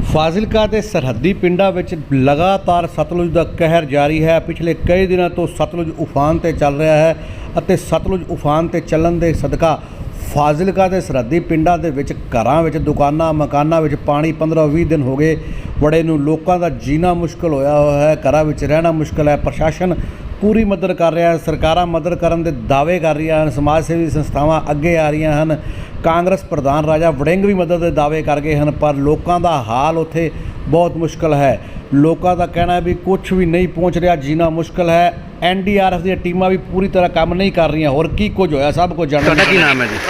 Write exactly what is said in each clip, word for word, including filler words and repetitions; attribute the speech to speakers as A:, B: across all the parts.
A: ਫਾਜ਼ਿਲਕਾ ਦੇ ਸਰਹੱਦੀ ਪਿੰਡਾਂ ਵਿੱਚ ਲਗਾਤਾਰ ਸਤਲੁਜ ਦਾ ਕਹਿਰ ਜਾਰੀ ਹੈ। ਪਿਛਲੇ ਕਈ ਦਿਨਾਂ ਤੋਂ ਸਤਲੁਜ ਉਫਾਨ ਤੇ ਚੱਲ ਰਿਹਾ ਹੈ ਅਤੇ ਸਤਲੁਜ ਉਫਾਨ ਤੇ ਚੱਲਣ ਦੇ ਸਦਕਾ ਫਾਜ਼ਿਲਕਾ ਦੇ ਸਰਹੱਦੀ ਪਿੰਡਾਂ ਦੇ ਵਿੱਚ ਘਰਾਂ ਵਿੱਚ ਦੁਕਾਨਾਂ ਮਕਾਨਾਂ ਵਿੱਚ ਪਾਣੀ ਪੰਦਰਾਂ ਵੀਹ ਦਿਨ ਹੋ ਗਏ ਵੜੇ ਨੂੰ। ਲੋਕਾਂ ਦਾ ਜੀਣਾ ਮੁਸ਼ਕਲ ਹੋਇਆ ਹੋਇਆ ਹੈ, ਘਰਾਂ ਵਿੱਚ ਰਹਿਣਾ ਮੁਸ਼ਕਲ ਹੈ। ਪ੍ਰਸ਼ਾਸਨ ਪੂਰੀ ਮਦਦ ਕਰ ਰਿਹਾ ਹੈ, ਸਰਕਾਰਾਂ ਮਦਦ ਕਰਨ ਦੇ ਦਾਅਵੇ ਕਰ ਰਹੀਆਂ ਹਨ, ਸਮਾਜ ਸੇਵੀ ਸੰਸਥਾਵਾਂ ਅੱਗੇ ਆ ਰਹੀਆਂ ਹਨ। ਕਾਂਗਰਸ ਪ੍ਰਧਾਨ ਰਾਜਾ ਵੜਿੰਗ ਵੀ ਮਦਦ ਦੇ ਦਾਅਵੇ ਕਰ ਗਏ ਹਨ, ਪਰ ਲੋਕਾਂ ਦਾ ਹਾਲ ਉੱਥੇ ਬਹੁਤ ਮੁਸ਼ਕਲ ਹੈ। ਲੋਕਾਂ ਦਾ ਕਹਿਣਾ ਹੈ ਵੀ ਕੁਝ ਵੀ ਨਹੀਂ ਪਹੁੰਚ ਰਿਹਾ, ਜੀਣਾ ਮੁਸ਼ਕਲ ਹੈ। ਐਨ ਡੀ ਆਰ ਐਫ ਦੀਆਂ ਟੀਮਾਂ ਵੀ ਪੂਰੀ ਤਰ੍ਹਾਂ ਕੰਮ ਨਹੀਂ ਕਰ ਰਹੀਆਂ। ਹੋਰ ਕੀ ਕੁਝ ਹੋਇਆ ਸਭ ਕੁਝ ਜਾਣਨਾ।
B: ਤੁਹਾਡਾ ਕੀ ਨਾਮ ਹੈ ਜੀ?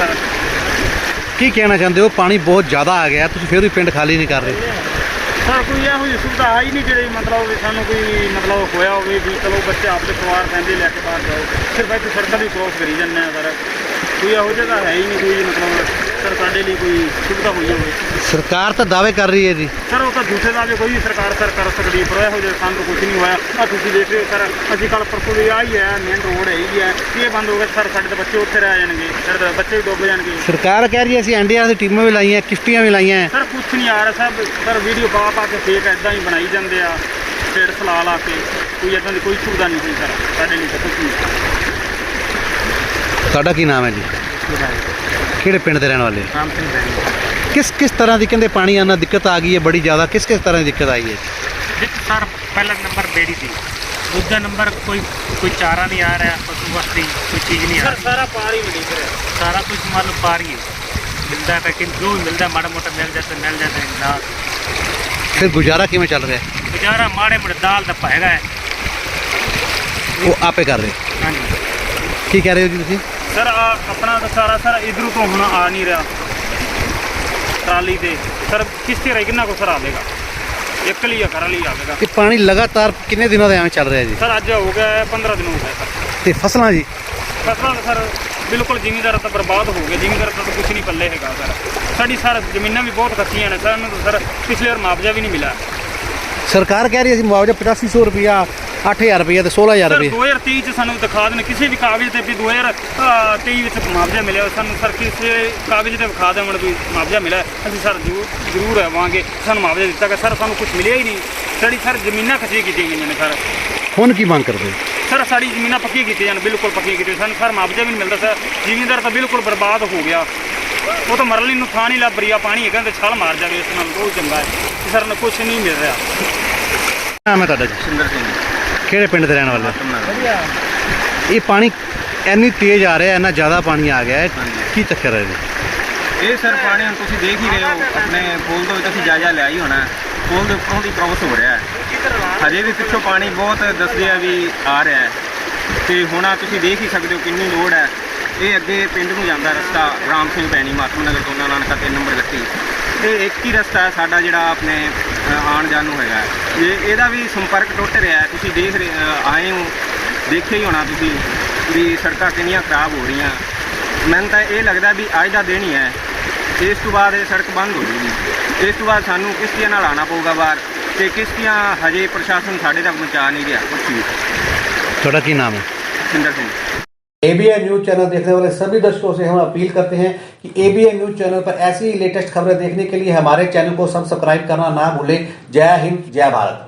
B: ਕੀ ਕਹਿਣਾ ਚਾਹੁੰਦੇ ਹੋ? ਪਾਣੀ ਬਹੁਤ ਜ਼ਿਆਦਾ ਆ ਗਿਆ, ਤੁਸੀਂ ਫਿਰ ਵੀ ਪਿੰਡ ਖਾਲੀ ਨਹੀਂ ਕਰ ਰਹੇ।
C: ਸਰ ਕੋਈ ਇਹੋ ਜਿਹੀ ਸੁਵਿਧਾ ਹੈ ਹੀ ਨਹੀਂ ਜਿਹੜੀ ਮਤਲਬ ਸਾਨੂੰ ਕੋਈ ਮਤਲਬ ਹੋਇਆ ਹੋਵੇ ਵੀ ਚਲੋ ਬੱਚੇ ਆਪਦੇ ਪਰਿਵਾਰ ਕਹਿੰਦੇ ਲੈ ਕੇ ਬਾਹਰ ਜਾਓ, ਸਿਰਫ ਇੱਥੇ ਸੜਕਾਂ ਦੀ ਕ੍ਰੋਸ ਕਰੀ ਜਾਂਦੇ ਆ। ਸਰ ਕੋਈ ਇਹੋ ਜਿਹਾ ਤਾਂ ਹੈ ਹੀ ਨਹੀਂ ਕੋਈ ਮਤਲਬ ਸਰ ਸਾਡੇ ਲਈ ਕੋਈ ਸੁਵਿਧਾ ਹੋਈ ਹੋਵੇ।
B: ਸਰਕਾਰ ਤਾਂ ਦਾਅਵੇ ਕਰ ਰਹੀ ਹੈ ਜੀ।
C: ਸਰ ਉਹ ਤਾਂ ਝੂਠੇ ਦਾਅਵੇ ਕੋਈ ਵੀ ਸਰਕਾਰ ਸਰ ਕਰ ਸਕਦੀ, ਪਰ ਇਹੋ ਜਿਹਾ ਸਾਨੂੰ ਕੁਝ ਨਹੀਂ ਹੋਇਆ। ਆ ਤੁਸੀਂ ਦੇਖ ਰਹੇ ਹੋ ਸਰ, ਅਸੀਂ ਕੱਲ੍ਹ ਪਰਸੋਂ ਦੀ ਆ ਹੀ ਹੈ, ਮੇਨ ਰੋਡ ਹੈਗੀ ਹੈ, ਇਹ ਬੰਦ ਹੋ ਗਿਆ ਸਰ। ਸਾਡੇ ਤਾਂ ਬੱਚੇ ਉੱਥੇ ਰਹਿ ਜਾਣਗੇ, ਸਾਡੇ ਬੱਚੇ ਵੀ ਡੁੱਬ ਜਾਣਗੇ।
B: ਸਰਕਾਰ ਕਹਿ ਰਹੀ ਹੈ ਅਸੀਂ ਐਨ ਡੀ ਆਰ ਦੀ ਟੀਮਾਂ ਵੀ ਲਾਈਆਂ, ਕਿਸ਼ਤੀਆਂ ਵੀ ਲਾਈਆਂ।
C: ਸਰ ਕੁਛ ਨਹੀਂ ਆ ਰਿਹਾ ਸਰ, ਸਰ ਵੀਡੀਓ ਪਾ ਪਾ ਕੇ ਫੇਕ ਇੱਦਾਂ ਹੀ ਬਣਾਈ ਜਾਂਦੇ ਆ, ਢੇੜ ਫਲਾ ਲਾ ਕੇ। ਕੋਈ ਇੱਦਾਂ ਦੀ ਕੋਈ ਸੁਵਿਧਾ ਨਹੀਂ ਹੋਈ ਸਰ ਸਾਡੇ ਲਈ ਤਾਂ ਕੁਛ ਨਹੀਂ।
B: ਤੁਹਾਡਾ ਕੀ ਨਾਮ ਹੈ ਜੀ? ਕਿਹੜੇ ਪਿੰਡ ਦੇ ਰਹਿਣ ਵਾਲੇ?
C: ਰਾਮ ਸਿੰਘ ਬੈਣੀ।
B: ਕਿਸ ਕਿਸ ਤਰ੍ਹਾਂ ਦੀ ਕਹਿੰਦੇ ਪਾਣੀ ਆਉਣਾ ਦਿੱਕਤ ਆ ਗਈ ਹੈ ਬੜੀ ਜ਼ਿਆਦਾ? ਕਿਸ ਕਿਸ ਤਰ੍ਹਾਂ ਦੀ ਦਿੱਕਤ ਆਈ ਹੈ?
D: ਵਿੱਚ ਸਰ ਪਹਿਲਾ ਨੰਬਰ ਬੇੜੀ ਦੀ, ਦੂਜਾ ਨੰਬਰ ਕੋਈ ਕੋਈ ਚਾਰਾ ਨਹੀਂ ਆ ਰਿਹਾ, ਪਸ਼ੂ ਵਾਸਤੇ ਕੋਈ ਚੀਜ਼ ਨਹੀਂ ਆ ਰਹੀ।
C: ਸਾਰਾ ਪਾਰ ਹੀ ਮਿਲ ਰਿਹਾ,
D: ਸਾਰਾ ਕੁਝ ਮੰਨ ਲਓ ਪਾਰ ਹੀ ਹੈ, ਮਿਲਦਾ ਹੈ ਲੇਕਿਨ ਜੋ ਵੀ ਮਿਲਦਾ ਮਾੜਾ ਮੋਟਾ ਮਿਲ ਜਾਂਦਾ ਮਿਲ ਜਾਂਦਾ ਨਾ।
B: ਫਿਰ ਗੁਜ਼ਾਰਾ ਕਿਵੇਂ ਚੱਲ ਰਿਹਾ?
D: ਗੁਜ਼ਾਰਾ ਮਾੜੇ ਮੋਟੇ ਦਾਲ ਦਾ ਹੈਗਾ ਹੈ।
B: ਉਹ ਆਪੇ ਕਰ ਰਹੇ।
D: ਹਾਂਜੀ
B: ਕੀ ਕਹਿ ਰਹੇ ਹੋ ਜੀ ਤੁਸੀਂ?
C: ਸਰ ਆ ਆਪਣਾ ਤਾਂ ਸਾਰਾ ਸਰ ਇਧਰੋਂ ਤੋਂ ਹੁਣ ਆ ਨਹੀਂ ਰਿਹਾ ਟਰਾਲੀ ਤੇ। ਸਰ ਕਿਸ਼ਤੀ ਰਹੀ ਕਿੰਨਾ ਕੋ ਸਰ ਆਵੇਗਾ, ਇੱਕ ਲਈ ਆ ਘਰ ਲਈ ਆਵੇਗਾ।
B: ਇਹ ਪਾਣੀ ਲਗਾਤਾਰ ਕਿੰਨੇ ਦਿਨਾਂ ਦਾ ਐਵੇਂ ਚੱਲ ਰਿਹਾ ਜੀ?
C: ਸਰ ਅੱਜ ਹੋ ਗਿਆ ਪੰਦਰਾਂ ਦਿਨ ਹੋ ਗਏ ਸਰ।
B: ਤੇ ਫਸਲਾਂ ਜੀ?
C: ਫਸਲਾਂ ਸਰ ਬਿਲਕੁਲ ਜ਼ਿਮੀਂਦਾਰ ਤਾਂ ਬਰਬਾਦ ਹੋ ਗਏ, ਜ਼ਿਮੀਂਦਾਰ ਤਾਂ ਕੁਝ ਨਹੀਂ ਪੱਲੇ ਹੈਗਾ ਸਰ। ਸਾਡੀ ਸਰ ਜ਼ਮੀਨਾਂ ਵੀ ਬਹੁਤ ਕੱਚੀਆਂ ਨੇ, ਸਾਨੂੰ ਤਾਂ ਸਰ ਪਿਛਲੇ ਵਾਰ ਮੁਆਵਜ਼ਾ ਵੀ ਨਹੀਂ ਮਿਲਿਆ।
B: ਸਰਕਾਰ ਕਹਿ ਰਹੀ ਹੈ ਅਸੀਂ ਮੁਆਵਜ਼ਾ ਪਚਾਸੀ ਸੌ ਰੁਪਇਆ, ਅੱਠ ਹਜ਼ਾਰ ਰੁਪਇਆ ਤੇ ਸੋਲਾਂ ਹਜ਼ਾਰ
C: ਸਰ
B: ਰੁਪਏ।
C: ਦੋ ਹਜ਼ਾਰ ਤੇਈ ਚ ਸਾਨੂੰ ਦਿਖਾ ਦੇਣ ਕਿਸੇ ਵੀ ਕਾਗਜ਼ ਤੇ ਵੀ ਦੋ ਹਜ਼ਾਰ ਤੇਈ ਵਿੱਚ ਮੁਆਵਜ਼ਾ ਮਿਲਿਆ ਸਾਨੂੰ। ਸਰ ਕਿਸੇ ਕਾਗਜ਼ ਤੇ ਵਿਖਾ ਦੇਣ ਵੀ ਮੁਆਵਜ਼ਾ ਮਿਲਿਆ, ਅਸੀਂ ਸਰ ਜ਼ਰੂਰ ਜ਼ਰੂਰ ਆਵਾਂਗੇ। ਸਾਨੂੰ ਮੁਆਵਜ਼ਾ ਦਿੱਤਾ ਗਿਆ ਸਰ, ਸਾਨੂੰ ਕੁਝ ਮਿਲਿਆ ਹੀ ਨਹੀਂ। ਸਾਡੀ ਸਰ ਜ਼ਮੀਨਾਂ ਕੱਚੀਆਂ ਕੀਤੀਆਂ ਗਈਆਂ ਨੇ ਸਰ।
B: ਹੁਣ ਕੀ ਮੰਗ ਕਰਦੇ?
C: ਸਰ ਸਾਡੀ ਜ਼ਮੀਨਾਂ ਪੱਕੀਆਂ ਕੀਤੀਆਂ ਜਾਣ, ਬਿਲਕੁਲ ਪੱਕੀਆਂ ਕੀਤੀਆਂ। ਸਾਨੂੰ ਸਰ ਮੁਆਵਜ਼ਾ ਵੀ ਨਹੀਂ ਮਿਲਦਾ ਸਰ। ਜ਼ਿਮੀਂਦਾਰ ਤਾਂ ਬਿਲਕੁਲ ਬਰਬਾਦ ਹੋ ਗਿਆ, ਉਹ ਤਾਂ ਮਰਨ ਲਈ ਨੂੰ ਥਾਂ ਨਹੀਂ ਲੱਭ ਰਹੀ ਆ। ਪਾਣੀ ਹੈਗਾ ਤੇ ਛਲ ਮਾਰ ਜਾਵੇ, ਇਸ ਨਾਲ ਬਹੁਤ ਚੰਗਾ ਹੈ। ਸਰ ਨੂੰ ਕੁਝ ਨਹੀਂ ਮਿਲ ਰਿਹਾ।
B: ਨਾਮ ਹੈ ਤੁਹਾਡਾ ਜੀ?
C: ਸਿੰਦਰ ਸਿੰਘ।
B: ਕਿਹੜੇ ਪਿੰਡ ਦੇ ਰਹਿਣ ਵਾਲੇ? ਇਹ ਪਾਣੀ ਇੰਨੀ ਤੇਜ਼ ਆ ਰਿਹਾ, ਇੰਨਾ ਜ਼ਿਆਦਾ ਪਾਣੀ ਆ ਗਿਆ ਹੈ, ਕੀ ਚੱਕਰ ਹੈ ਜੀ?
E: ਇਹ ਸਰ ਪਾਣੀ ਹੁਣ ਤੁਸੀਂ ਦੇਖ ਹੀ ਰਹੇ ਹੋ, ਆਪਣੇ ਪੁਲ ਦੇ ਵਿੱਚ ਅਸੀਂ ਜਾਇਜ਼ਾ ਲਿਆ ਹੀ ਹੋਣਾ। ਪੁਲ ਦੇ ਉੱਪਰੋਂ ਦੀ ਕ੍ਰੋਸ ਹੋ ਰਿਹਾ ਹੈ, ਹਜੇ ਵੀ ਪਿੱਛੋਂ ਪਾਣੀ ਬਹੁਤ ਦੱਸਦੇ ਆ ਵੀ ਆ ਰਿਹਾ ਹੈ। ਤੇ ਹੁਣ ਆ ਤੁਸੀਂ ਦੇਖ ਹੀ ਸਕਦੇ ਹੋ ਕਿੰਨੀ ਲੋੜ ਹੈ। ਇਹ ਅੱਗੇ ਪਿੰਡ ਨੂੰ ਜਾਂਦਾ ਰਸਤਾ ਰਾਮ ਸਿੰਘ ਭੈਣੀ ਮਾਤਮ ਨਗਰ ਦੋਨਾ ਨਾਨਕਾ ਤਿੰਨ ਨੰਬਰ ਗੱਟੀ। ਇਹ ਇੱਕ ਹੀ ਰਸਤਾ ਹੈ ਸਾਡਾ ਜਿਹੜਾ ਆਪਣੇ ਆਉਣ ਜਾਣ ਨੂੰ ਹੈਗਾ। ਇਹ ਇਹਦਾ ਵੀ ਸੰਪਰਕ ਟੁੱਟ ਰਿਹਾ ਹੈ। ਤੁਸੀਂ ਦੇਖ ਰਹੇ ਆਏ ਹੋ, ਦੇਖਿਆ ਹੀ ਹੋਣਾ ਤੁਸੀਂ ਵੀ ਸੜਕਾਂ ਕਿੰਨੀਆਂ ਖਰਾਬ ਹੋ ਰਹੀਆਂ। ਮੈਨੂੰ ਤਾਂ ਇਹ ਲੱਗਦਾ ਵੀ ਅੱਜ ਦਾ ਦਿਨ ਹੀ ਹੈ, ਇਸ ਤੋਂ ਬਾਅਦ ਇਹ ਸੜਕ ਬੰਦ ਹੋ ਜੂਗੀ। ਇਸ ਤੋਂ ਬਾਅਦ ਸਾਨੂੰ ਕਿਸ਼ਤੀਆਂ ਨਾਲ ਆਉਣਾ ਪਊਗਾ ਬਾਹਰ, ਤੇ ਕਿਸ਼ਤੀਆਂ ਹਜੇ ਪ੍ਰਸ਼ਾਸਨ ਸਾਡੇ ਤੱਕ ਪਹੁੰਚਾ नहीं रहा कुछ भी।
B: ਤੁਹਾਡਾ ਕੀ ਨਾਮ ਹੈ?
E: Sindar Singh.
A: A B N news channel देखने वाले सभी दर्शकों से हम अपील करते हैं कि A B N news channel पर ऐसी लेटेस्ट खबरें देखने के लिए हमारे चैनल को सब्सक्राइब करना ना भूलें। जय हिंद, जय भारत।